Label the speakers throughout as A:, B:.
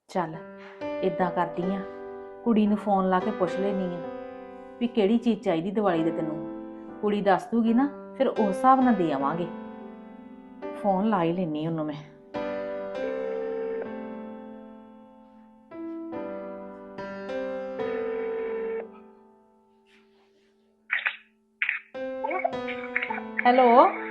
A: ਚੱਲ ਇਦਾਂ ਕਰਦੀ ਆ, ਕੁੜੀ ਨੂੰ ਫੋਨ ਲਾ ਕੇ ਪੁੱਛ ਲੈਣੀ ਆ ਵੀ ਕਿਹੜੀ ਚੀਜ਼ ਚਾਹੀਦੀ ਦੀਵਾਲੀ ਦੇ ਤੈਨੂੰ। ਕੁੜੀ ਦੱਸ ਦੂਗੀ ਨਾ, ਫਿਰ ਉਸ ਹਿਸਾਬ ਨਾਲ ਦੇ ਆਵਾਂਗੇ। ਫੋਨ ਲਾ ਹੀ ਲੈਣੀ ਉਹਨੂੰ ਮੈਂ। ਹੈਲੋ,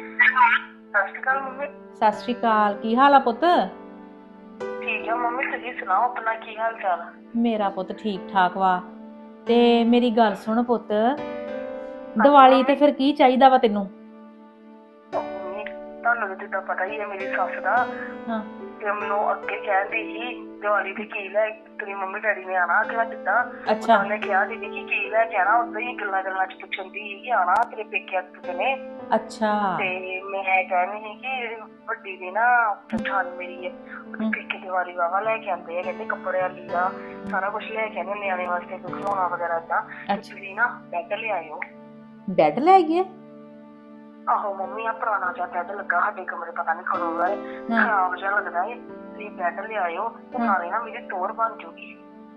B: ਸਤਿ ਸ਼੍ਰੀ ਅਕਾਲ ਮੰਮੀ।
A: ਸਤਿ ਸ਼੍ਰੀ ਅਕਾਲ। ਕੀ ਹਾਲ ਆ ਪੁੱਤ?
B: ਠੀਕ ਆ ਮੰਮੀ, ਤੁਸੀਂ ਸੁਣਾਓ ਆਪਣਾ ਕੀ ਹਾਲ ਚਾਲ?
A: ਮੇਰਾ ਪੁੱਤ ਠੀਕ ਠਾਕ ਵਾ। ਤੇ ਮੇਰੀ ਗੱਲ ਸੁਣ ਪੁੱਤ, ਦੀਵਾਲੀ ਤੇ ਫਿਰ ਕੀ ਚਾਹੀਦਾ ਵਾ ਤੈਨੂੰ?
B: ਮੰਮੀ ਤੁਹਾਨੂੰ ਤਾਂ ਜਿੱਦਾਂ ਪਤਾ ਹੀ ਹੈ ਮੇਰੀ ਸੱਸ ਦਾ,
A: ਹਾਂ
B: ਤੇ ਮੈਨੂੰ ਅੱਗੇ ਕਹਿੰਦੀ ਸੀ ਦੀਵਾਲੀ ਤੇ ਕੀ ਲੈ ਤੇਰੀ ਮੰਮੀ ਡੈਡੀ ਨੇ ਆਣਾ ਕਿ ਮੈਂ ਕਿੱਦਾਂ।
A: ਅੱਛਾ।
B: ਉਹਨੇ ਕਿਹਾ ਦੀਦੀ ਕਿ ਕੀ ਲੈ ਕੇ ਆਣਾ, ਉਦੋਂ ਹੀ ਗੱਲਾਂ ਗੱਲਾਂ ਚ ਪੁੱਛਣ ਦੀ ਸੀ ਕਿ ਆਣਾ ਤੇਰੇ ਪੇਕੇ ਅੱਜ ਨੇ।
A: ਅੱਛਾ।
B: ਤੇ ਮੈਂ ਕਹਿੰਦੀ ਸੀ ਕਿ ਵੱਡੀ ਦੀ ਨਾ ਜਠਾਣੀ ਮੇਰੀ ਹੈ, ਉਹਦੇ ਪੇਕੇ ਦੀਵਾਲੀ ਵਾਵਾ ਲੈ ਕੇ ਆਉਂਦੇ ਆ, ਕਹਿੰਦੇ ਕੱਪੜਿਆਂ ਲੀੜਾ ਸਾਰਾ ਕੁਝ ਲੈ ਕੇ ਆਉਂਦੇ ਨਿਆਣੇ ਵਾਸਤੇ, ਕੋਈ ਖਿਡੌਣਾ ਵਗੈਰਾ ਏਦਾਂ। ਤੁਸੀਂ ਨਾ ਬੈੱਡ ਲਿਆਇਓ।
A: ਬੈੱਡ ਲੈ ਗਏ?
B: ਆਹੋ ਮੰਮੀ, ਆ ਪੁਰਾਣਾ ਜਿਹਾ ਬੈੱਡ ਲੱਗਾ ਸਾਡੇ ਕਮਰੇ, ਪਤਾ ਨਹੀਂ ਕਦੋਂ ਦਾ ਖਰਾਬ ਜਿਹਾ ਲੱਗਦਾ ਏ। ਤੁਸੀਂ ਬੈੱਡ ਲਿਆਇਓ, ਨਾਲੇ ਨਾ ਮੇਰੀ ਟੋਰ ਬਣ ਜੂਗੀ।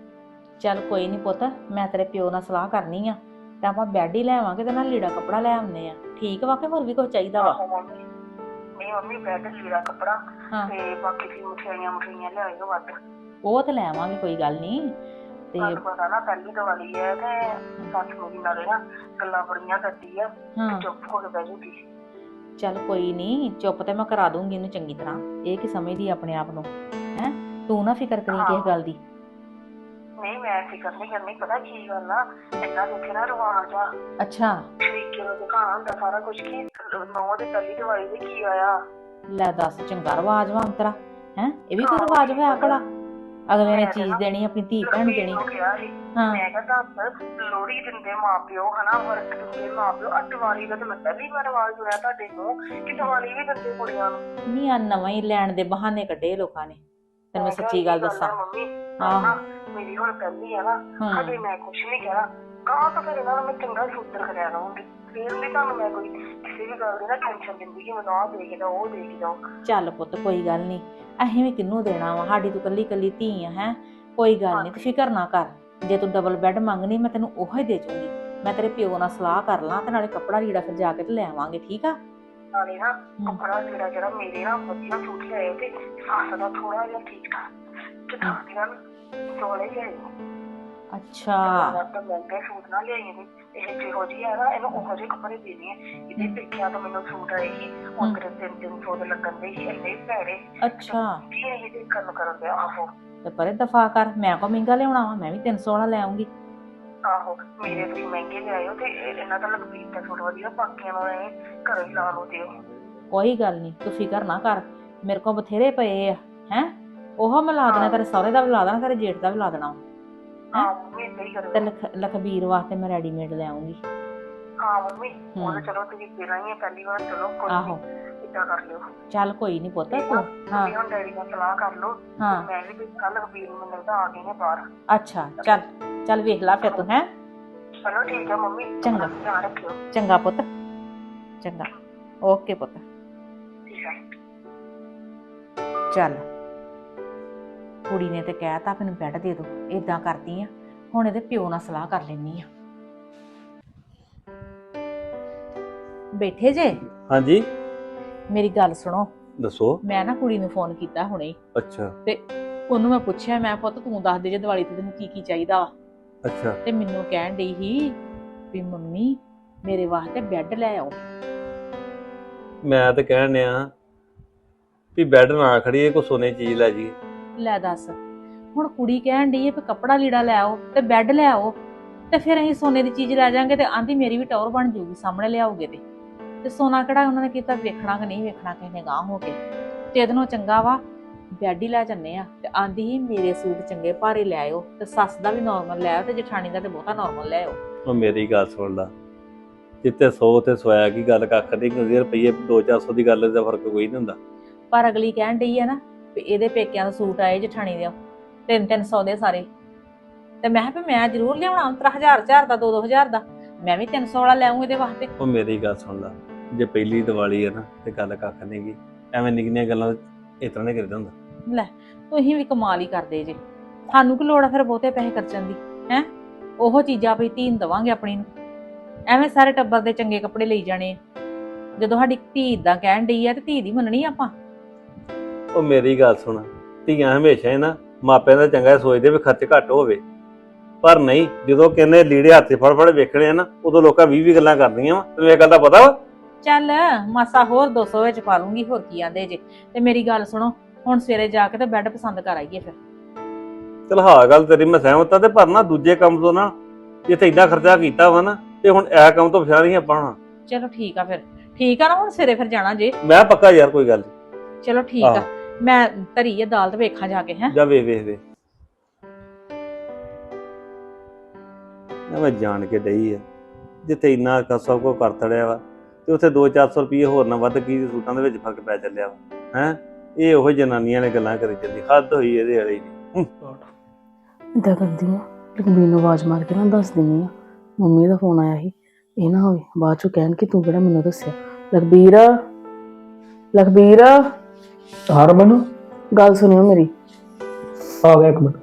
A: ਚੱਲ ਕੋਈ ਨਹੀਂ ਪੁੱਤ, ਮੈਂ ਤੇਰੇ ਪਿਓ ਨਾਲ ਸਲਾਹ ਕਰਨੀ ਆ ਤੇ ਆਪਾਂ ਬੈੱਡ ਹੀ ਲੈ ਆਵਾਂਗੇ ਤੇ ਨਾਲ ਲੀੜਾ ਕੱਪੜਾ ਲੈ ਆਉਂਦੇ ਆ। ਠੀਕ ਵਾ ਕਿ ਹੋਰ ਵੀ ਕੁਝ ਚਾਹੀਦਾ ਵਾ?
B: ਆਹੋ ਮੰਮੀ, ਨਹੀਂ ਮੰਮੀ ਬੈੱਡ ਲੀੜਾ ਕੱਪੜਾ ਤੇ ਬਾਕੀ ਦੀ ਮਠਿਆਈਆਂ ਲਿਆਇਓ ਵੱਧ।
A: ਉਹ ਤੇ ਲੈ ਆਵਾਂਗੇ, ਕੋਈ ਗੱਲ ਨਹੀਂ। ਤੇ
B: ਤੁਹਾਨੂੰ ਪਤਾ ਨਾ ਪਹਿਲੀ ਦੀਵਾਲੀ ਹੈ ਤੇ ਸੱਸ ਮੇਰੀ ਨਾਲੇ ਨਾ ਗੱਲਾਂ ਬੜੀਆਂ ਕਰਦੀ ਆ, ਚੁੱਪ ਹੋ ਕੇ ਬਹਿ ਜੂਗੀ।
A: ਚੱਲ ਕੋਈ ਨਹੀਂ, ਚੁੱਪ ਤੇ ਮੈਂ ਕਰਾ ਦੂੰਗੀ ਇਹਨੂੰ ਚੰਗੀ ਤਰ੍ਹਾਂ। ਇਹ ਕੀ ਸਮਝਦੀ ਆਪਣੇ ਆਪ ਨੂੰ ਹੈ? ਤੂੰ ਨਾ ਫਿਕਰ ਕਰੀ ਕਿਸੇ ਗੱਲ ਦੀ।
B: ਨਹੀਂ ਮੈਂ ਫਿਕਰ ਨਹੀਂ ਕਰਨੀ, ਪਤਾ ਕੀ ਗੱਲ ਆ, ਇੰਨਾ ਦੇਖੇ ਨਾ ਰਿਵਾਜ ਆ।
A: ਅੱਛਾ।
B: ਤਰੀਕੇ ਨਾਲ ਦਿਖਾਉਣਾ ਹੁੰਦਾ ਸਾਰਾ ਕੁਝ ਕਿ ਨੌ ਦੇ ਪਹਿਲੀ ਦੀਵਾਲੀ ਦੇ ਕੀ ਆਇਆ।
A: ਲੈ ਦੱਸ, ਚੰਗਾ ਰਿਵਾਜ ਵਾ ਅੰਤਰਾ ਹੈ। ਇਹ ਵੀ ਕੋਈ ਰਿਵਾਜ ਹੋਇਆ ਭਲਾ? ਅਗਲੇ ਨੇ ਚੀਜ਼ ਦੇਣੀ, ਆਪਣੀ ਧੀ ਭੈਣ ਨੂੰ ਦੇਣੀ।
B: ਮੈਂ ਕਿਹਾ ਦੱਸ, ਲੋਹੜੀ ਦਿੰਦੇ ਮਾਪਿਓ ਹਨਾ, ਵਰਤ ਦਿੰਦੇ ਮਾਪਿਓ, ਆ ਦੀਵਾਲੀ ਦਾ ਤਾਂ ਮੈਂ ਪਹਿਲੀ ਵਾਰ ਰਿਵਾਜ ਸੁਣਿਆ ਤੁਹਾਡੇ ਤੋਂ ਕਿ ਦੀਵਾਲੀ ਵੀ ਦਿੰਦੇ ਕੁੜੀਆਂ ਨੂੰ।
A: ਨਹੀਂ, ਆ ਨਵਾਂ ਹੀ ਲੈਣ ਦੇ ਬਹਾਨੇ ਕੱਢੇ ਲੋਕਾਂ ਨੇ। ਤੈਨੂੰ ਮੈਂ ਸੱਚੀ ਗੱਲ ਦੱਸਾਂ।
B: ਮੰਮੀ ਮੇਰੀ ਹੁਣ ਪਹਿਲੀ ਆ ਨਾ, ਹਜੇ ਮੈਂ ਕੁਛ ਨਹੀਂ ਕਹਿਣਾ, ਕਹਾਂ ਤਾਂ ਫਿਰ ਇਹਨਾਂ ਨੂੰ ਮੈਂ ਚੰਗਾ ਸੂਤਰ ਕਰਿਆ ਰਹੂੰਗੀ। ਫਿਰ ਵੀ ਤੁਹਾਨੂੰ ਮੈਂ ਕੋਈ ਕਿਸੇ ਵੀ ਗੱਲ ਦੀ ਨਾ ਟੈਨਸ਼ਨ ਦਿੰਦੀ ਕਿ ਮੈਨੂੰ ਆਹ ਦੇ ਕੇ ਜਾਓ, ਉਹ ਦੇ ਕੇ ਜਾਓ।
A: ਚੱਲ ਪੁੱਤ ਕੋਈ ਗੱਲ ਨਹੀਂ, ਅਸੀਂ ਵੀ ਕਿਹਨੂੰ ਦੇਣਾ ਵਾ, ਸਾਡੀ ਤੂੰ ਕੱਲੀ ਕੱਲੀ ਧੀ ਆ ਹੈ। ਕੋਈ ਗੱਲ ਨਹੀਂ, ਤੂੰ ਫਿਕਰ ਨਾ ਕਰ। ਜੇ ਤੂੰ ਡਬਲ ਬੈੱਡ ਮੰਗਣੀ ਮੈਂ ਤੈਨੂੰ ਉਹੋ ਹੀ ਦੇ ਜੂੰਗੀ। ਮੈਂ ਤੇਰੇ ਪਿਓ ਨਾਲ ਸਲਾਹ ਕਰ ਲਾਂ ਤੇ ਨਾਲੇ ਕੱਪੜਾ ਲੀੜਾ ਫਿਰ ਜਾ ਕੇ ਤੇ ਲੈ ਆਵਾਂਗੇ। ਠੀਕ ਆ?
B: ਨਾਲੇ ਨਾ ਕੱਪੜਾ ਲੀੜਾ ਜਿਹੜਾ ਮੇਰੇ ਨਾ ਵਧੀਆ ਸੂਟ ਲਿਆਏ ਤੇ ਸੱਸ ਦਾ ਥੋੜਾ ਜਿਹਾ ਠੀਕ ਠਾਕ ਜਠਾਣੀਆਂ ਚੋਲੇ ਲਿਆਏ।
A: ਅੱਛਾ।
B: ਮਹਿੰਗੇ ਸੂਟ ਨਾ ਲਿਆਈ ਦੇ, ਇਹ ਜਿਹੋ ਜਿਹੀ ਹੈ ਨਾ ਇਹਨੂੰ ਉਹੋ ਜਿਹੇ ਕੱਪੜੇ ਦੇਣੇ ਆ। ਇਹਦੇ ਪੇਕਿਆਂ ਤੋਂ ਮੈਨੂੰ ਸੂਟ ਆਏ ਸੀ, ਹੁਣ ਮੇਰੇ 300 ਦੇ ਲੱਗਣ ਦੇ ਸੀ, ਇੰਨੇ ਭੈੜੇ।
A: ਅੱਛਾ।
B: ਕੀ ਇਹ ਦੇਖਣ ਨੂੰ ਕਰਨ ਦਿਆ? ਆਹੋ
A: ਤੇ ਪਰੇ ਦਫਾ ਕਰ, ਮੈਂ ਕੋ ਮਹਿੰਗਾ ਲਿਆਉਣਾ ਵਾ, ਮੈਂ ਵੀ 300 ਵਾਲਾ ਲੈ ਆਉਂਗੀ।
B: ਆਹੋ ਮੇਰੇ ਤੁਸੀਂ ਮਹਿੰਗੇ ਲਿਆਇਓ ਤੇ ਇਹਨਾਂ ਦਾ ਲਖਬੀਰ ਦਾ ਸੂਟ ਵਧੀਆ, ਬਾਕੀਆਂ ਨੂੰ ਇਹ ਘਰੋਂ ਹੀ ਲਾ ਲਓ ਦਿਓ।
A: ਕੋਈ ਗੱਲ ਨਹੀਂ, ਤੂੰ ਫਿਕਰ ਨਾ ਕਰ, ਮੇਰੇ ਕੋਲ ਬਥੇਰੇ ਪਏ ਆ ਹੈ। ਉਹ ਮੈਂ ਲਾ ਦੇਣਾ, ਤੇਰੇ ਸਹੁਰੇ ਦਾ ਵੀ ਲਾ ਦੇਣਾ, ਤੇਰੇ ਜੇਠ ਦਾ ਵੀ ਲਾ ਦੇਣਾ। ਤੇ ਲਖਬੀਰ ਵਾਸਤੇ ਮੈਂ ਰੈਡੀਮੇਡ ਲੈ ਆਉਂਗੀ।
B: ਹਾਂ ਮੰਮੀ, ਉਹ ਚਲੋ ਤੁਸੀਂ ਦੇਣਾ ਹੀ ਹੈ ਪਹਿਲੀ ਵਾਰ, ਚਲੋ ਕੋਈ ਨਹੀਂ ਇਦਾਂ ਕਰ ਲਿਓ।
A: ਚੱਲ ਕੋਈ ਨਹੀਂ ਪੁੱਤ, ਤੂੰ
B: ਹੁਣ ਡੈਡੀ ਨਾਲ ਸਲਾਹ ਕਰ ਲਓ। ਮੈਂ ਵੀ ਕੱਲ ਲਖਬੀਰ ਨੂੰ ਮਿਲਦਾ, ਆ ਗਏ ਨੇ ਬਾਹਰ।
A: ਅੱਛਾ ਚੱਲ, ਚੱਲ ਵੇਖ ਲਾ ਫਿਰ ਤੂੰ ਹੈ।
B: ਚਲੋ ਠੀਕ ਹੈ ਮੰਮੀ,
A: ਚੰਗਾ,
B: ਧਿਆਨ ਰੱਖਿਓ।
A: ਚੰਗਾ ਪੁੱਤ, ਚੰਗਾ, ਓਕੇ ਪੁੱਤ।
B: ਠੀਕ ਹੈ।
A: ਚੱਲ ਕੁੜੀ ਨੇ ਤੇ ਕਹਿਤਾ ਮੈਨੂੰ ਬੈੱਡ ਦੇ ਦੋ। ਏਦਾਂ ਕਰਦੀ ਆ, ਹੁਣ ਇਹਦੇ ਪਿਓ ਨਾਲ ਸਲਾਹ ਕਰ ਲੈਣੀ ਆ। ਬੈਠੇ ਜੇ?
C: ਹਾਂਜੀ
A: ਮੇਰੀ ਗੱਲ ਸੁਣੋ।
C: ਦੱਸੋ।
A: ਮੈਂ ਨਾ ਕੁੜੀ ਨੂੰ ਫੋਨ ਕੀਤਾ ਹੁਣੇ।
C: ਅੱਛਾ।
A: ਤੇ ਉਹਨੂੰ ਮੈਂ ਪੁੱਛਿਆ, ਮੈਂ ਪੁੱਤ ਤੂੰ ਦੱਸ ਦੇ ਜੇ ਦੀਵਾਲੀ ਤੇ ਤੈਨੂੰ ਕੀ ਕੀ ਚਾਹੀਦਾ ਵਾ।
C: ਅੱਛਾ।
A: ਤੇ ਮੈਨੂੰ ਕਹਿਣ ਡਈ ਸੀ ਵੀ ਮੰਮੀ ਮੇਰੇ ਵਾਸਤੇ ਬੈੱਡ ਲੈ ਆਓ।
C: ਮੈਂ ਤਾਂ ਕਹਿਣ ਡਿਆ ਵੀ ਬੈੱਡ ਨਾ ਖੜੀਏ, ਕੋ ਸੋਨੇ ਦੀ ਚੀਜ਼ ਲੈ ਜੀ।
A: ਲੈ ਦੱਸ, ਹੁਣ ਕੁੜੀ ਕਹਿਣ ਡਈ ਹੈ ਵੀ ਕੱਪੜਾ ਲੀੜਾ ਲੈ ਆਓ ਤੇ ਬੈੱਡ ਲੈ ਆਓ, ਤੇ ਫਿਰ ਅਸੀਂ ਸੋਨੇ ਦੀ ਚੀਜ਼ ਲੈ ਜਾਾਂਗੇ ਤੇ ਆਂਦੀ ਮੇਰੀ ਵੀ ਟੌਰ ਬਣ ਜਾਊਗੀ ਸਾਹਮਣੇ ਲਿਆਓਗੇ ਤੇ ਸੋਨਾ ਕਿਹੜਾ ਉਹਨਾਂ ਨੇ ਕੀਤਾ ਵੇਖਣਾ ਕਿ ਨਹੀਂ ਵੇਖਣਾ ਕਿਸੇ ਨੇ ਗਾਂਹ ਹੋ ਕੇ। ਤੇ ਇਹਦੇ ਨਾਲੋਂ ਚੰਗਾ ਵਾ ਬੈੱਡ ਹੀ ਲੈ ਜੰਨੇ ਆ। ਤੇ ਆਂਦੀ ਹੀ ਮੇਰੇ ਸੂਟ ਚੰਗੇ ਭਾਰੇ ਲੈ ਆਓ, ਤੇ ਸੱਸ ਦਾ ਵੀ ਨਾਰਮਲ ਲੈ ਆਓ, ਤੇ ਜਠਾਣੀ ਦਾ ਤੇ ਬਹੁਤਾ ਨਾਰਮਲ ਲੈ ਆਓ।
C: ਉਹ ਮੇਰੀ ਗੱਲ ਸੁਣ ਲਾ, ਜਿੱਤੇ 100 ਤੇ ਸੋਇਆ ਕੀ ਗੱਲ ਕੱਖ ਨਹੀਂ ਹੁੰਦੀ, ਰੁਪਈਏ 200-400 ਦੀ ਗੱਲ ਦਾ ਫਰਕ ਕੋਈ ਨਹੀਂ ਹੁੰਦਾ।
A: ਪਰ ਅਗਲੀ ਕਹਿਣ ਡਈ ਆ ਨਾ ਵੀ ਇਹਦੇ ਪੇਕਿਆਂ ਦਾ ਸੂਟ ਆਏ ਜਠਾਣੀ ਦੇ 300-300 ਦੇ ਸਾਰੇ। ਤੇ ਮੈਂ ਕਿਹਾ ਵੀ ਮੈਂ ਜ਼ਰੂਰ ਲਿਆਉਣਾ 1000 ਦਾ 2-2000 ਦਾ, ਮੈਂ ਵੀ 300 ਵਾਲਾ ਲੈ ਆਊਂ ਇਹਦੇ ਵਾਸਤੇ।
C: ਉਹ ਮੇਰੀ ਗੱਲ ਸੁਣ ਲਾ, ਜੇ ਪਹਿਲੀ ਦੀਵਾਲੀ ਹੈ ਨਾ ਤੇ ਗੱਲ ਕੱਖ ਨਹੀਂ ਗੀ, ਐਵੇਂ ਨਿੱਕੀਆਂ ਗੱਲਾਂ ਇਸ ਤਰ੍ਹਾਂ ਨਹੀਂ ਕਰੀਦਾ ਹੁੰਦਾ।
A: ਲੈ ਤੁਸੀਂ ਵੀ ਕਮਾਲ ਹੀ ਕਰਦੇ ਜੇ। ਸਾਨੂੰ ਕੀ ਲੋੜ ਆ ਫਿਰ ਬਹੁਤੇ ਪੈਸੇ ਖਰਚਣ ਦੀ ਹੈ। ਉਹ ਚੀਜ਼ਾਂ ਆਪਣੀ ਧੀ ਨੂੰ ਦੇਵਾਂਗੇ ਆਪਣੀ ਨੂੰ, ਐਵੇਂ ਸਾਰੇ ਟੱਬਰ ਦੇ ਚੰਗੇ ਕੱਪੜੇ ਲਈ ਜਾਣੇ ਆ। ਜਦੋਂ ਸਾਡੀ ਧੀ ਇਦਾਂ ਕਹਿਣ ਡਈ ਆ ਤੇ ਧੀ ਦੀ ਮੰਨਣੀ ਆਪਾਂ।
C: ਉਹ ਮੇਰੀ ਗੱਲ ਸੁਣ, ਧੀਆਂ ਹਮੇਸ਼ਾ ਹੀ ਨਾ ਮਾਪਿਆਂ ਦਾ ਚੰਗਾ ਸੋਚਦੇ ਵੀ ਖਰਚ ਘੱਟ ਹੋਵੇ, ਪਰ ਨਹੀਂ, ਜਦੋਂ ਕਹਿੰਦੇ ਲੀੜੇ ਹੱਥੇ ਫੜ ਫੜ ਵੇਖਣੇ ਆ ਨਾ, ਉਦੋਂ ਲੋਕਾਂ 20 ਗੱਲਾਂ ਕਰਦੀਆਂ ਵਾ। ਤੈਨੂੰ ਇਹ ਗੱਲ ਦਾ ਪਤਾ ਵਾ?
A: ਚੱਲ ਮਾਸਾ ਹੋਰ 200 ਵਿੱਚ ਪਾ ਲੂੰਗੀ, ਹੋਰ ਕੀ ਆਂਦੇ ਜੇ। ਤੇ ਮੇਰੀ ਗੱਲ ਸੁਣੋ, ਹੁਣ ਸਵੇਰੇ ਜਾ ਕੇ ਤੇ ਬੈੱਡ ਪਸੰਦ ਕਰ ਆਈਏ ਫਿਰ।
C: ਚਲ ਹਾਂ ਗੱਲ ਤੇਰੀ ਮੈਂ ਸਹਿਮਤ ਆ, ਤੇ ਪਰ ਨਾ ਦੂਜੇ ਕੰਮ ਤੋਂ ਨਾ, ਜਿੱਥੇ ਇੰਨਾ ਖਰਚਾ ਕੀਤਾ ਵਾ ਨਾ, ਤੇ ਹੁਣ ਇਹ ਕੰਮ ਤੋਂ ਪਛਾਣ ਨਹੀਂ ਆਪਾਂ ਹੋਣਾ।
A: ਚਲੋ ਠੀਕ ਆ ਫਿਰ, ਠੀਕ ਆ ਨਾ। ਹੁਣ ਸਵੇਰੇ ਫਿਰ ਜਾਣਾ ਜੇ।
C: ਮੈਂ ਪੱਕਾ ਯਾਰ, ਕੋਈ ਗੱਲ ਨੀ।
A: ਚਲੋ ਠੀਕ ਆ, ਮੈਂ ਧਰੀ ਆ ਦਾਲ ਤੇ ਵੇਖਾਂ ਜਾ ਕੇ। ਹੈ
C: ਜਾ ਵੇ ਮੈਂ ਜਾਣ ਕੇ ਡਈ ਆ, ਜਿੱਥੇ ਇੰਨਾ ਸਭ ਕੁਝ ਕਰ ਤੜਿਆ ਵਾ, ਤੇ ਉੱਥੇ 200-400 ਰੁਪਏ ਹੋਰ ਨਾ ਵੱਧ ਕੀ ਸੂਟਾਂ ਦੇ ਵਿੱਚ ਫਰਕ ਪੈ ਚੱਲਿਆ ਵਾ। ਹੈ ਇਹ ਉਹ ਜਨਾਨੀਆਂ ਨੇ ਗੱਲਾਂ ਕਰੀ ਜਾਂਦੀ, ਹੱਦ ਹੋਈ ਇਹਦੇ ਵਾਲੀ ਦੀ।
D: ਇੱਦਾਂ ਕਰਦੀ ਆ, ਲਖਬੀਰ ਨੂੰ ਆਵਾਜ਼ ਮਾਰ ਕੇ ਨਾ ਦੱਸ ਦਿੰਦੀ ਆ ਮੰਮੀ ਦਾ ਫੋਨ ਆਇਆ ਸੀ। ਇਹ ਨਾ ਹੋਵੇ ਬਾਅਦ ਚੋਂ ਕਹਿਣ ਕਿ ਤੂੰ ਕਿਹੜਾ ਮੈਨੂੰ ਦੱਸਿਆ। ਲਖਬੀਰ
E: ਹਾਂ ਰਮਨ,
D: ਗੱਲ ਸੁਣਿਓ ਮੇਰੀ।
E: ਆ ਗਿਆ 1 ਮਿੰਟ।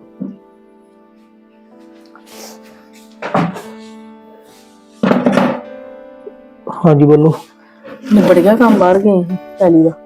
E: ਹਾਂਜੀ ਬੋਲੋ।
D: ਨਿਬੜ ਗਿਆ ਕੰਮ, ਬਾਹਰ ਗਏ ਸੀ ਪਹਿਲੀ ਦਾ।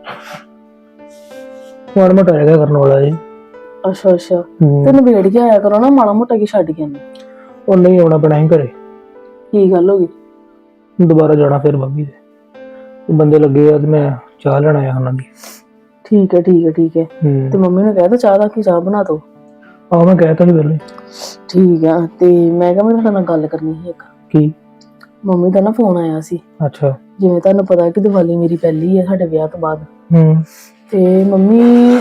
E: ਮਾੜਾ ਮੋਟਾ ਹੈਗਾ ਕਰਨ ਵਾਲਾ ਜੀ।
D: ਅੱਛਾ ਤੇ ਨਿਬੇੜ ਕੇ ਆਇਆ ਕਰੋ ਨਾ, ਮਾੜਾ ਮੋਟਾ ਕੀ ਛੱਡ ਕੇ ਆਉਂਦੇ।
E: ਉਹ ਨਹੀਂ ਆਉਣਾ ਪੈਣਾ ਸੀ ਘਰੇ,
D: ਕੀ ਗੱਲ ਹੋ ਗਈ?
E: ਦੁਬਾਰਾ ਜਾਣਾ ਫਿਰ ਮੰਮੀ ਦੇ ਬੰਦੇ ਲੱਗੇ ਆ, ਤੇ ਮੈਂ ਚਾਹ ਲੈਣ ਆਇਆ ਉਹਨਾਂ ਦੀ।
D: ਠੀਕ ਹੈ ਤੇ ਮੰਮੀ ਨੇ ਕਹਿ ਤਾ ਚਾਹ ਦਾ ਕੀ ਚਾਹ ਬਣਾ ਦੋ।
E: ਆਹ ਮੈਂ ਕਹਿ ਤਾ ਸੀ ਪਹਿਲੇ।
D: ਠੀਕ ਆ, ਤੇ ਮੈਂ ਕਿਹਾ ਮੈਂ ਤੁਹਾਡੇ ਨਾਲ ਗੱਲ ਕਰਨੀ ਸੀ ਇੱਕ।
E: ਕੀ?
D: ਮੰਮੀ ਦਾ ਨਾ ਫੋਨ ਆਇਆ ਸੀ।
E: ਅੱਛਾ।
D: ਜਿਵੇਂ ਤੁਹਾਨੂੰ ਪਤਾ ਕਿ ਦੀਵਾਲੀ ਮੇਰੀ ਪਹਿਲੀ ਹੈ ਸਾਡੇ ਵਿਆਹ ਤੋਂ ਬਾਅਦ। ਤੇ ਮੰਮੀ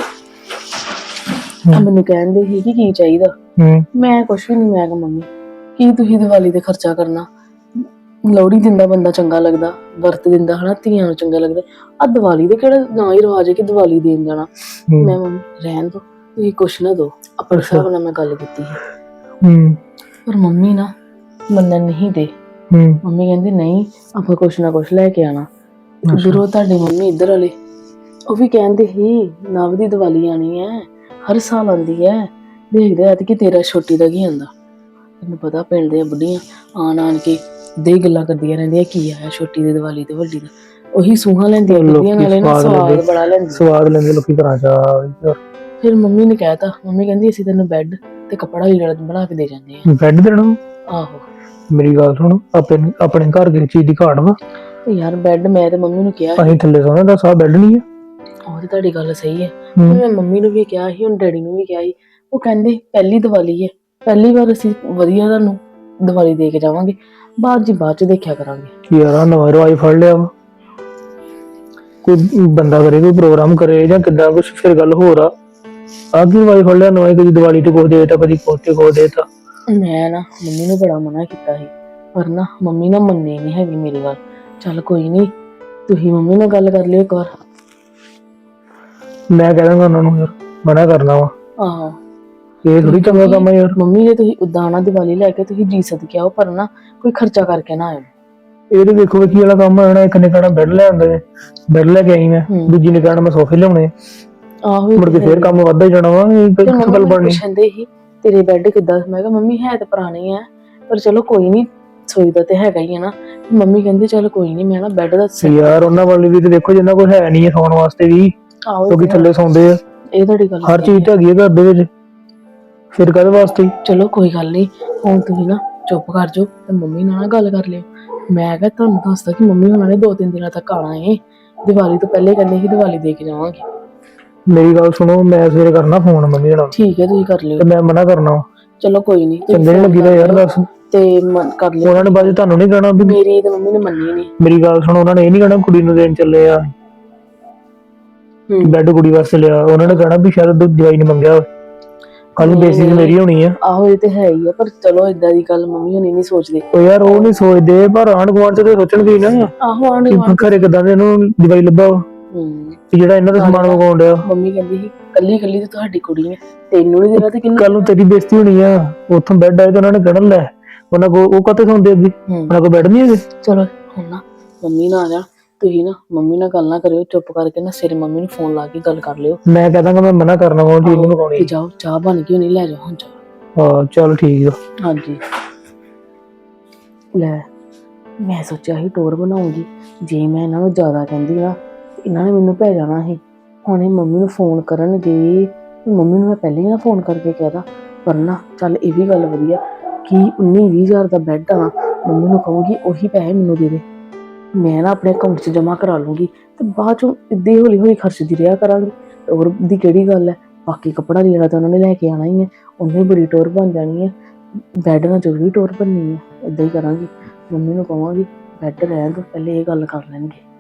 D: ਮੈਨੂੰ ਕਹਿੰਦੇ ਸੀ ਕਿ ਕੀ ਚਾਹੀਦਾ। ਮੈਂ ਕੁਛ ਵੀ ਨਹੀਂ, ਮੈਂ ਕਿਹਾ ਮੰਮੀ ਕੀ ਤੁਸੀਂ ਦੀਵਾਲੀ ਤੇ ਖਰਚਾ ਕਰਨਾ, ਲੋਹੜੀ ਦਿੰਦਾ ਬੰਦਾ ਚੰਗਾ ਲੱਗਦਾ, ਵਰਤ ਦਿੰਦਾ ਹਨਾ, ਧੀਆਂ ਨੂੰ ਚੰਗਾ ਲੱਗਦਾ। ਆ ਦੀਵਾਲੀ ਦੇ ਕਿਹੜਾ ਨਾ ਹੀ ਰਿਵਾਜ ਹੈ ਕਿ ਦੀਵਾਲੀ ਦੇਣ ਜਾਣਾ। ਮੈਂ ਮੰਮੀ ਰਹਿਣ ਦੋ, ਤੁਸੀਂ ਕੁਛ ਨਾ ਦੋ। ਆਪਣੇ ਹਿਸਾਬ ਨਾਲ ਮੈਂ ਗੱਲ ਕੀਤੀ ਸੀ, ਪਰ ਮੰਮੀ ਨਾ ਮੰਨਣ ਨਹੀਂ ਦੇ। ਮੰਮੀ ਕਹਿੰਦੀ ਨਹੀਂ, ਆਪਾਂ ਕੁਛ ਨਾ ਕੁਛ ਲੈ ਕੇ ਆਣਾ। ਉਧਰੋਂ ਤੁਹਾਡੀ ਮੰਮੀ ਇੱਧਰ ਵਾਲੇ ਉਹ ਵੀ ਕਹਿੰਦੇ ਸੀ ਨਵ ਦੀ ਦੀਵਾਲੀ ਆਣੀ ਹੈ, ਹਰ ਸਾਲ ਆਉਂਦੀ ਹੈ, ਦੇਖਦੇ ਆ ਕਿ ਤੇਰਾ ਛੋਟੀ ਦਾ ਕੀ ਆਂਦਾ। ਤੈਨੂੰ ਪਤਾ ਪਿੰਡ ਦੀਆਂ ਬੁੱਢੀਆਂ ਆਣ ਕੇ ਦੇ ਗੱਲਾਂ ਕਰਦੀਆਂ ਰਹਿੰਦੀਆਂ, ਕੀ ਆਇਆ ਛੋਟੀ ਦੀ ਦੀਵਾਲੀ ਤੇ ਵੱਡੀ ਦਾ। ਉਹੀ ਸੂਹਾਂ ਲੈਂਦੀਆਂ ਬੁੱਢੀਆਂ ਨਾਲੇ ਨਾ, ਸਵਾਦ ਬੜਾ ਲੈਂਦੇ
E: ਲੋਕੀ ਘਰਾਂ ਚ।
D: ਫਿਰ ਮੰਮੀ ਨੇ ਕਹਿਤਾ, ਮੰਮੀ ਕਹਿੰਦੀ ਅਸੀਂ ਤੈਨੂੰ ਬੈੱਡ ਤੇ ਕੱਪੜਾ ਲੀੜਾ ਬਣਾ ਕੇ ਦੇ ਜਾਂਦੇ ਆ।
E: ਬੈੱਡ ਦੇਣਾ?
D: ਆਹੋ।
E: ਮੇਰੀ ਗੱਲ ਸੁਣ, ਆਪਣੇ ਘਰ ਦੇ ਚੀਜ਼ ਦੀ ਘਾਟ ਵਾ
D: ਯਾਰ। ਬੈੱਡ ਮੈਂ ਤੇ ਮੰਮੀ ਨੂੰ ਕਿਹਾ
E: ਅਸੀਂ ਥੱਲੇ ਸੌਣਾ, ਦਾ ਸਾਹ ਬੈੱਡ ਨਹੀਂ ਹੈ।
D: ਉਹ ਤੇ ਤੁਹਾਡੀ ਗੱਲ ਸਹੀ ਹੈ, ਮੈਂ ਮੰਮੀ ਨੂੰ ਵੀ ਕਿਹਾ ਸੀ, ਹੁਣ ਡੈਡੀ ਨੂੰ ਵੀ ਕਿਹਾ ਸੀ। ਉਹ ਕਹਿੰਦੇ ਪਹਿਲੀ ਦੀਵਾਲੀ ਹੈ, ਪਹਿਲੀ ਵਾਰ ਅਸੀਂ ਵਧੀਆ ਤੁਹਾਨੂੰ ਦੀਵਾਲੀ ਦੇ ਕੇ ਜਾਵਾਂਗੇ, ਬਾਅਦ ਚ ਦੇਖਿਆ ਕਰਾਂਗੇ।
E: ਯਾਰ ਆ ਨਵਾਂ ਰਿਵਾਜ ਫੜ ਲਿਆ ਵਾ, ਕੋਈ ਬੰਦਾ ਕਰੇ, ਕੋਈ ਪ੍ਰੋਗਰਾਮ ਕਰੇ ਜਾਂ ਕਿੱਦਾਂ ਕੁਛ, ਫਿਰ ਗੱਲ ਹੋਰ ਆ। ਆਹ ਕੀ ਰਿਵਾਜ ਫੜ ਲਿਆ ਨਵਾਂ, ਕਦੀ ਦੀਵਾਲੀ ਤੇ ਕੁਛ ਦੇਤਾ, ਕਦੀ ਕੋਤੇ ਕੋ ਦੇਤਾ।
D: ਮੈਂ ਨਾ ਮੰਮੀ ਨੂੰ ਬੜਾ ਮਨਾ ਕੀਤਾ ਸੀ, ਪਰ ਨਾ ਮੰਮੀ ਨਾ ਮੰਨੇ ਨਹੀਂ ਹੈਗੀ ਮੇਰੀ ਗੱਲ। ਚੱਲ ਕੋਈ ਨੀ, ਤੁਸੀਂ ਮੰਮੀ ਨਾਲ ਗੱਲ ਕਰ ਲਿਓ ਇੱਕ ਵਾਰ।
E: ਮੈਂ ਕਹਿ ਦਾਂਗਾ ਉਹਨਾਂ ਨੂੰ, ਯਾਰ ਮਨਾ ਕਰਨਾ ਵਾ।
D: ਆਹੋ,
E: ਇਹ ਥੋੜੀ ਚੰਗਾ ਕੰਮ ਆ ਯਾਰ।
D: ਮੰਮੀ ਜੇ ਤੁਸੀਂ ਉਦਾਂ ਆਣਾ ਦੀਵਾਲੀ ਲੈ ਕੇ, ਤੁਸੀਂ ਜੀ ਸਦਕੇ ਆਓ, ਪਰ ਨਾ ਕੋਈ ਖਰਚਾ ਕਰਕੇ ਨਾ ਆਇਓ।
E: ਇਹ ਤੇ ਦੇਖੋ ਕੀ ਵਾਲਾ ਕੰਮ ਹੋਣਾ। ਇੱਕ ਨੇ ਕਹਿਣਾ ਬੈੱਡ ਲੈ ਆਉਂਦੇ, ਬੈੱਡ ਲੈ ਕੇ ਆਈ ਮੈਂ, ਦੂਜੀ ਨੇ ਕਹਿਣਾ ਮੈਂ ਸੋਫੇ ਲਿਆਉਣੇ।
D: ਆਹੋ,
E: ਮੁੜ ਕੇ ਫੇਰ ਕੰਮ ਵੱਧਦਾ ਜਾਣਾ ਵਾ। ਇਹ ਗੱਲ ਬਣਨੀ।
D: ਪੁੱਛਦੇ ਸੀ ਤੇਰੇ ਬੈੱਡ ਕਿੱਦਾਂ? ਮੈਂ ਕਿਹਾ ਮੰਮੀ ਹੈ ਤੇ ਪੁਰਾਣੇ ਆ, ਪਰ ਚਲੋ ਕੋਈ ਨੀ, ਸੋਚਦਾ ਤੇ ਹੈਗਾ ਹੀ ਹੈ ਨਾ। ਮੰਮੀ ਕਹਿੰਦੀ ਚੱਲ ਕੋਈ ਨੀ, ਮੈਂ ਨਾ ਬੈੱਡ ਦਾ
E: ਯਾਰ ਉਹਨਾਂ ਵਾਲੀ ਵੀ ਤੇ ਦੇਖੋ, ਜਿੰਨਾ ਕੋਈ ਹੈ ਨਹੀਂ ਸੌਣ ਵਾਸਤੇ ਵੀ, ਕਿਉਂਕਿ ਥੱਲੇ ਸੌਂਦੇ ਆ।
D: ਇਹ ਤੁਹਾਡੀ ਗੱਲ
E: ਹਰ ਚੀਜ਼ ਤਾਂ ਹੈਗੀ ਹੈ ਘਰ ਦੇ ਵਿੱਚ, ਫਿਰ ਕਾਹਦੇ ਵਾਸਤੇ?
D: ਚਲੋ ਕੋਈ ਗੱਲ ਨਹੀਂ, ਹੁਣ ਤੁਸੀਂ ਨਾ ਚੁੱਪ ਕਰ ਜਾਓ ਤੇ ਮੰਮੀ ਨਾਲ ਗੱਲ ਕਰ ਲਿਓ। ਮੈਂ ਕਿਹਾ ਤੁਹਾਨੂੰ ਦੱਸਦਾ ਕਿ ਮੰਮੀ ਉਹਨਾਂ ਨੇ 2-3 ਦਿਨਾਂ ਤੱਕ ਆਣਾ ਏ, ਦੀਵਾਲੀ ਤੋਂ ਪਹਿਲੇ ਕਹਿੰਦੇ ਸੀ ਦੀਵਾਲੀ ਦੇ ਕੇ ਜਾਵਾਂਗੇ।
E: ਮੇਰੀ ਗੱਲ ਸੁਣੋ, ਮੈਂ ਸਵੇਰੇ ਕਰਨਾ ਫੋਨ ਮੰਮੀ ਨਾਲ।
D: ਠੀਕ ਹੈ, ਤੁਸੀਂ ਕਰ ਲਿਓ।
E: ਤੇ ਮੈਂ ਮਨਾ ਕਰਨਾ।
D: ਚਲੋ ਕੋਈ ਨੀ,
E: ਚੰਗੇ ਨੀ ਲੱਗੀਦਾ ਯਾਰ, ਦੱਸ।
D: ਤੇ ਕਰ ਲਿਓ।
E: ਉਹਨਾਂ ਨੇ ਬਾਅਦ ਤੁਹਾਨੂੰ ਨਹੀਂ ਕਹਿਣਾ ਵੀ
D: ਮੇਰੀ ਤੇ ਮੰਮੀ ਨੇ ਮੰਨੀ ਨਹੀਂ।
E: ਮੇਰੀ ਗੱਲ ਸੁਣੋ, ਉਹਨਾਂ ਨੇ ਇਹ ਨਹੀਂ ਕਹਿਣਾ ਕੁੜੀ ਨੂੰ ਦੇਣ ਚੱਲੇ ਆ ਬੈੱਡ, ਕੁੜੀ ਵਾਸਤੇ ਲਿਆ। ਉਹਨਾਂ ਨੇ ਕਹਿਣਾ ਵੀ ਸ਼ਾਇਦ ਦਵਾਈ ਨਹੀਂ ਮੰਗਿਆ, ਕੱਲ ਬੇਸਿਸ ਮੇਰੀ ਹੋਣੀ ਆ।
D: ਆਹੋ ਇਹ ਤੇ ਹੈ ਹੀ ਆ, ਪਰ ਚਲੋ ਏਦਾਂ ਦੀ ਗੱਲ ਮੰਮੀ ਹੁਣੀ ਨਹੀਂ ਸੋਚਦੇ।
E: ਉਹ ਯਾਰ ਉਹ ਨਹੀਂ ਸੋਚਦੇ, ਪਰ ਆਂਢ ਗੁਆਂਢ ਚ ਤੇ ਸੋਚਣਗੇ ਨਾ।
D: ਆਹੋ, ਆਂਢ ਗੁਆਂਢ
E: ਘਰੇ ਕਿੱਦਾਂ ਦੇ ਇਹਨੂੰ ਦਵਾਈ ਲੱਭਾ ਜਿਹੜਾ ਇਹਨਾਂ ਦਾ ਸਮਾਨ ਮੰਗਾਉਣ ਡਿਆ।
D: ਮੰਮੀ ਕਹਿੰਦੀ ਸੀ ਕੱਲੀ ਤੇ ਤੁਹਾਡੀ ਕੁੜੀ ਹੈ, ਤੈਨੂੰ ਨਹੀਂ ਦੇਣਾ ਤੇ ਕਿੰਨੂੰ?
E: ਕੱਲ ਨੂੰ ਤੇਰੀ ਬੇਇੱਜ਼ਤੀ ਹੋਣੀ ਆ। ਉੱਥੋਂ ਬੈੱਡ ਆਏ ਤਾਂ ਉਹਨਾਂ ਨੇ ਕਹਿਣਾ ਲੈ, ਉਹਨਾਂ ਕੋ ਉਹ ਕਾਤੇ ਸੌਂਦੇ ਅੱਗੇ, ਉਹਨਾਂ ਕੋ ਬੈੱਡ ਨਹੀਂ ਹੈਗੇ।
D: ਚਲੋ ਹੁਣ ਨਾ ਮੰਮੀ ਨਾਲ ਆ ਜਾ, ਤੁਸੀਂ ਨਾ ਮੰਮੀ ਨਾਲ ਗੱਲ ਨਾ ਕਰਿਓ, ਚੁੱਪ ਕਰਕੇ ਨਾ ਸਿਰੇ ਮੰਮੀ ਨੂੰ ਫੋਨ ਲਾ ਕੇ ਗੱਲ ਕਰ ਲਿਓ
E: ਮੈਂ ਕਹਦਾਂਗਾ ਮੈਂ ਮਨਾ ਕਰਨਾ ਵਾ ਚੀਜ਼ ਨਹੀਂ
D: ਤੇ
E: ਮਕਾਉਣੀ।
D: ਜਾਓ ਚਾਹ ਬਣ ਗਈ ਹੋਣੀ, ਲੈ ਜਾਓ ਹੁਣ ਚਾਹ।
E: ਹਾਂ ਚੱਲ ਠੀਕ ਆ।
D: ਹਾਂਜੀ ਲੈ ਮੈਂ ਸੋਚਿਆ ਸੀ ਟੋਰ ਬਣਾਉਂਗੀ, ਜੇ ਮੈਂ ਇਹਨਾਂ ਨੂੰ ਜ਼ਿਆਦਾ ਕਹਿੰਦੀ ਨਾ ਤੇ ਇਹਨਾਂ ਨੇ ਮੈਨੂੰ ਭੇਜ ਜਾਣਾ ਸੀ। ਹੁਣ ਇਹ ਮੰਮੀ ਨੂੰ ਫੋਨ ਕਰਨਗੇ, ਮੰਮੀ ਨੂੰ ਮੈਂ ਪਹਿਲੇ ਹੀ ਨਾ ਫੋਨ ਕਰਕੇ ਕਹਿਦਾ। ਪਰ ਨਾ ਚੱਲ ਇਹ ਵੀ ਗੱਲ ਵਧੀਆ ਕਿ 19-20 ਹਜ਼ਾਰ ਦਾ ਬੈੱਡ ਆ, ਮੰਮੀ ਨੂੰ ਕਹੂੰਗੀ ਉਹੀ ਪੈਸੇ ਮੈਨੂੰ ਦੇ ਦੇ, ਮੈਂ ਨਾ ਆਪਣੇ ਅਕਾਊਂਟ 'ਚ ਜਮ੍ਹਾਂ ਕਰਾ ਲੂੰਗੀ ਤੇ ਬਾਅਦ 'ਚੋਂ ਇੱਦਾਂ ਹੌਲੀ ਹੌਲੀ ਖਰਚਦੀ ਰਿਹਾ ਕਰਾਂਗੀ। ਟੋਰ ਦੀ ਕਿਹੜੀ ਗੱਲ ਹੈ, ਬਾਕੀ ਕੱਪੜਾ ਲੀੜਾ ਤਾਂ ਉਹਨਾਂ ਨੇ ਲੈ ਕੇ ਆਉਣਾ ਹੀ ਹੈ, ਉਹਨੇ ਬੜੀ ਟੋਰ ਬਣ ਜਾਣੀ ਹੈ, ਬੈੱਡ ਨਾਲ ਜ਼ਰੂਰੀ ਟੋਰ ਬਣਨੀ ਹੈ। ਇੱਦਾਂ ਹੀ ਕਰਾਂਗੀ, ਮੰਮੀ ਨੂੰ ਕਹਾਂਗੀ ਬੈੱਡ ਰਹਿਣ ਦਿਓ, ਪਹਿਲੇ ਇਹ ਗੱਲ ਕਰ ਲੈਣਗੇ।